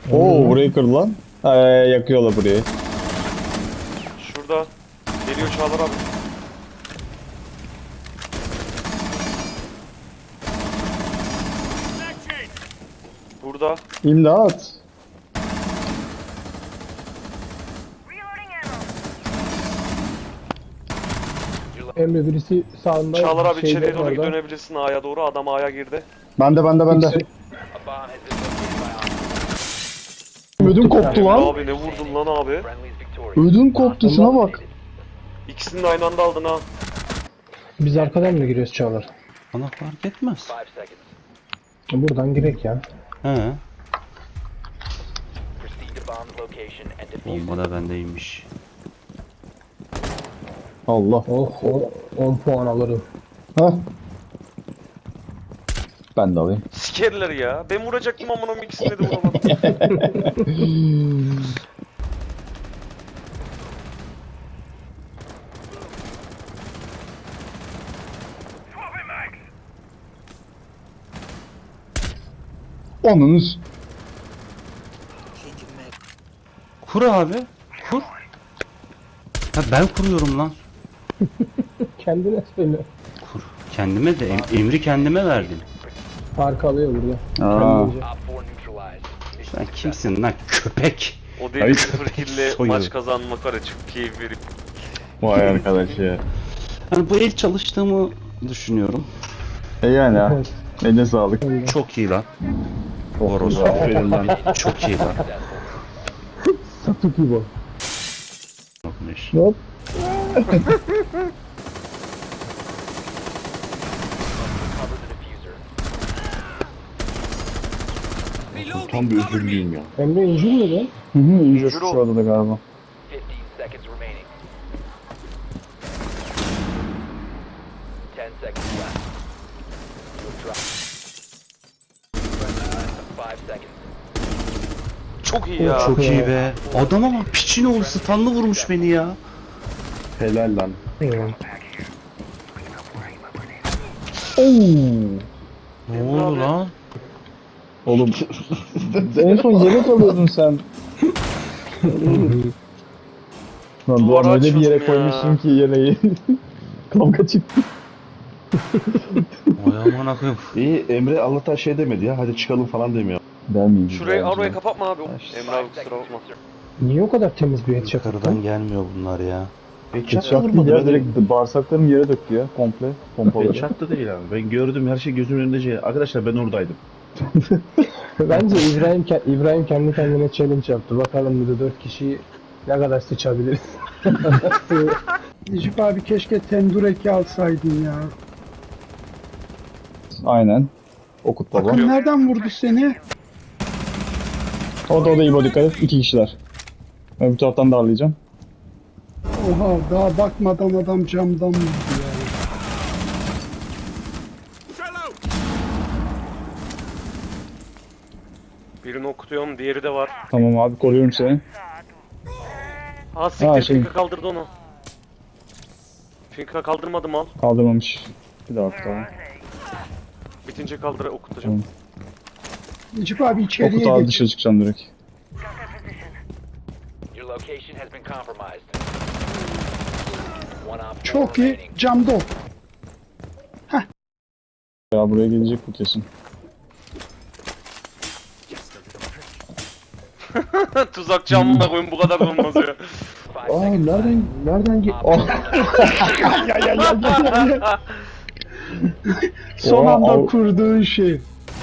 Oo burayı kır lan. Yakıyorlar burayı. Şurada. Geliyor Çağlar abi. Burada. İmdat. Emre birisi sağında. Çağlar abi şeyde içeriye doğru orada. dönebilirsin A'ya doğru. Adam A'ya girdi. Bende. İkisi- Ödüm koptu lan. Abi ne vurdun lan abi? Ödüm koptu şuna bak. İkisini de aynı anda aldın ha. Biz arkadan mı giriyoruz Çağlar? Bana fark etmez. Buradan girek ya. He. Bomba da bendeymiş. Allah. Oh, 10 puan alırım. Hah. Ben de alayım. Sikerler ya. Ben vuracaktım ama onun ikisini de vuramadım. Onunuz. Kur abi. Kur. Ha ben kuruyorum lan. Kendine söyle. Kur. Kendime de emri kendime verdim. Fark alıyor burada. Aa. Kendince. Sen kimsin lan köpek? O deli Ay. 0 kille Soyuyor. maç kazanmak var ya çok keyif veriyor. Vay arkadaş ya. Hani bu el çalıştığımı düşünüyorum. Yani ha. Evet. Eline sağlık. Çok iyi lan. Boros. Aferin lan. Çok iyi lan. Sapık gibi o. Yapmış. Hop. Tam bir özürlüyüm ya. Emre injur mu lan? Hı hı. İyice Yürü. şu arada da galiba. 15 seconds remaining. 10 seconds left. You'll drop. 5 seconds. Çok iyi ya. Çok iyi be. Adama bak piçin oğlu stunlı vurmuş beni ya. Helal lan. Ne oldu lan? Oğlum. En son yelek alıyordun sen. Lan Duvara Doğan öyle bir açıyordum yere ya. koymuşsun ki yeleği. Kavga çıktı. Vay aman akıyım. İyi Emre Allah'tan şey demedi ya. Hadi çıkalım falan demiyor. Demeyeyim. Şurayı orayı kapatma abi. Emre abi kusura bakma. Niye o kadar temiz bir headshot Yukarıdan attın? gelmiyor bunlar ya. Headshot değil ya, direkt bağırsaklarım yere döktü ya komple. Pompaları. Headshot da değil abi. Ben gördüm her şey gözümün önünde şey. Arkadaşlar ben oradaydım. Bence İbrahim kendi kendine challenge yaptı. Bakalım bir de 4 kişiyi ne kadar sıçabiliriz. Necip abi keşke tendureki alsaydın ya. Aynen. Okut baba. Bakın nereden vurdu seni? O da İbo dikkat et. 2 kişiler. Ben bu taraftan darlayacağım. Oha daha bakmadan adam camdan vurdu ya. Birini okutuyorum, diğeri de var. Tamam abi koruyorum seni. Ha siktir, Ha, şey- Finka kaldırdı onu. Finka kaldırmadı mal. Kaldırmamış. Bir daha tamam. Bitince kaldır okutacağım. Necip abi Okut içeriye abi geç. dışarı çıkacağım direkt. Your location has been compromised. One op four Çok iyi. remaining. Camda o. Ya buraya gelecek bu kesin. Tuzak camına koyun bu kadar da olmaz ya. 5 Aa seconds left. nereden Op four son Oha, anda av- kurduğun şey.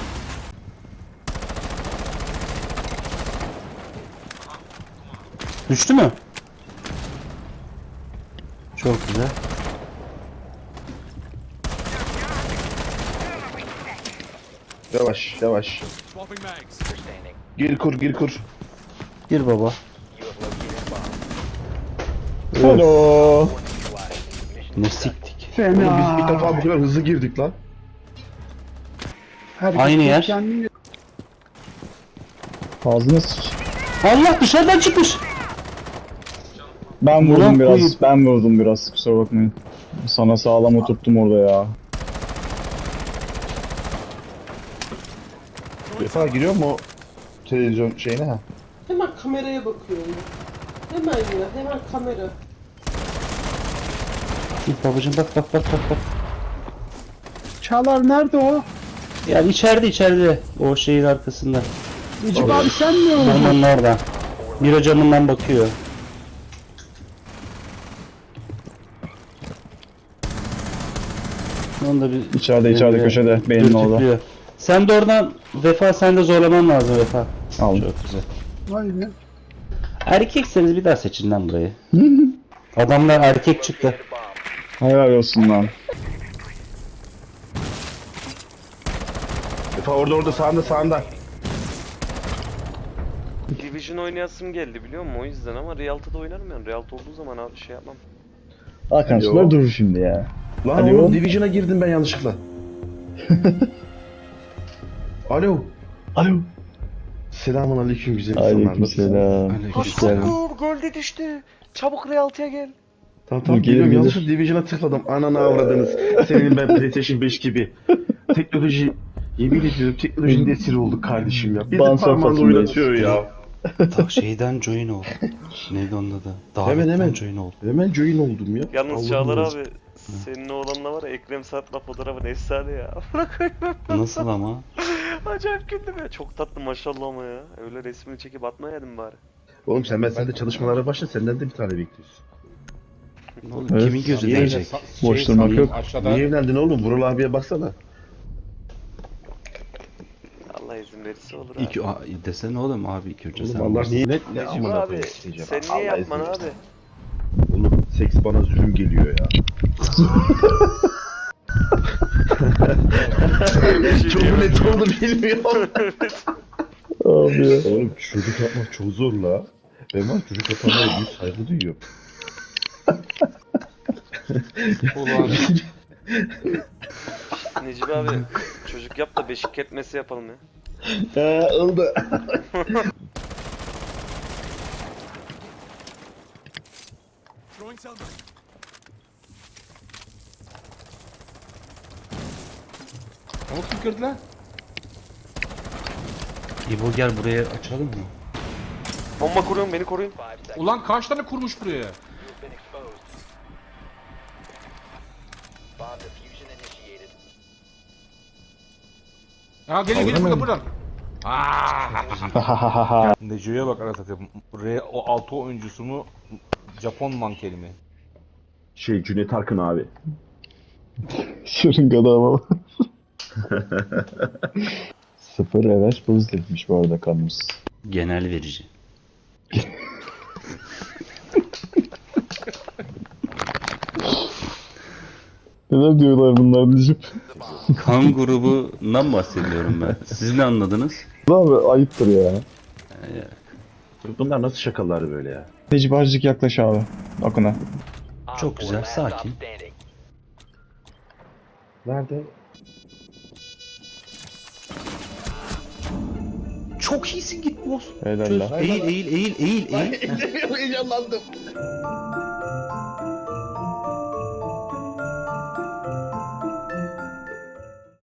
Düştü mü? Çok güzel. Yavaş yavaş. you're standing. Gir kur gir kur. Gir baba. You have located a bomb. Hello. Neutralized. Mission Ne siktik. Oğlum biz ilk Fena. defa bu kadar hızlı girdik lan. Herkes Aynı yer. kendini- Ağzına sıç. Allah dışarıdan çıkmış. Ben Ulan vurdum biraz. koyayım. Ben vurdum biraz. Kusura bakmayın. Sana sağlam oturttum orada ya. Defa giriyor mu o? televizyon şeyine ha. Hemen kameraya bakıyorum. Hemen ya, hemen kamera. Git babacım bak bak bak bak bak. Çağlar nerede o? Yani içeride o şeyin arkasında. Necip abi sen mi oldun? Camın orada. Miro camından bakıyor. Onu da bir İçeride köşede. Benim orada. dürtüklüyor. Sen de oradan Vefa, sen de zorlaman lazım Vefa. Aldım. Çok güzel. Vay be. Erkekseniz bir daha seçin lan burayı. Adamlar erkek çıktı. Helal olsun lan. Efe orada sağında. Division oynayasım geldi biliyor musun? O yüzden ama Realta'da oynarım yani. Realta olduğu zaman abi şey yapmam. Hakan şunlar durur şimdi ya. Lan Alo. oğlum Division'a girdim ben yanlışlıkla. Alo. Alo. Selamun aleyküm güzel insanlar. Aleykümselam. Hoş geldin. Hasakur golde düştü. Çabuk Realta'ya gel. Tamam Dur, geliyorum. gelir. Yanlışlıkla Division'a tıkladım. Ananı avradınız. Senin ben PlayStation 5 gibi. Teknoloji... Yemin ediyorum teknolojinin esiri olduk kardeşim ya. Bizi Ban parmağında sofrasındayız. oynatıyor ya. Tak şeyden join ol. Neydi onun adı? Hemen. join ol. Hemen join oldum ya. Yalnız Allah'ım Çağlar ya. abi senin oğlanla var ya Ekrem Sarp'la fotoğrafın efsane ya. Nasıl ama? Acayip güldüm ya. Çok tatlı maşallah ama ya. Öyle resmini çekip atmayaydın bari. Oğlum sen de çalışmalara başla. Senden de bir tane bekliyoruz. Oğlum, Evet. kimin gözü Niye- değecek? Boş durmak yok. Niye evlendin oğlum? Vural abiye baksana. Allah izin verirse olur abi. İlk, desene oğlum abi ilk önce sen. Oğlum Allah niye ne Necip amına abi koyayım diyeceğim. sen niye Allah yapman izin abi? versin. Oğlum seks bana zulüm geliyor ya. Çok net oldu bilmiyorum. Abi ya. Oğlum çocuk yapmak çok zor la. Ben var çocuk yapanlara büyük saygı duyuyorum. Necip abi çocuk yap da beşik ketmesi yapalım ya. Oldu. Onu kim kırdı lan? İbo gel buraya açalım mı? Bomba kuruyorum beni koruyun. 5 seconds. Ulan kaç tane kurmuş buraya? You've been exposed. Bomb diffusion initiated. Ha gelin buradan buradan. Neco'ya bak arasatı. O 6 oyuncusu mu? Japon mankeni mi? Cüneyt Arkın abi. Şırıngada ama. 0 evet pozitifmiş bu arada kanımız. Genel verici. Neler diyorlar bunlar Necip? Kan grubundan bahsediyorum ben. Siz ne anladınız? Abi ayıptır ya. Bunlar nasıl şakalar böyle ya? Necip azıcık yaklaş abi. Akına. Op Çok four, güzel, last stop sakin. standing. Nerede? Çok iyisin git boss. Helal Çöz. lan. Eğil. Heyecanlandım.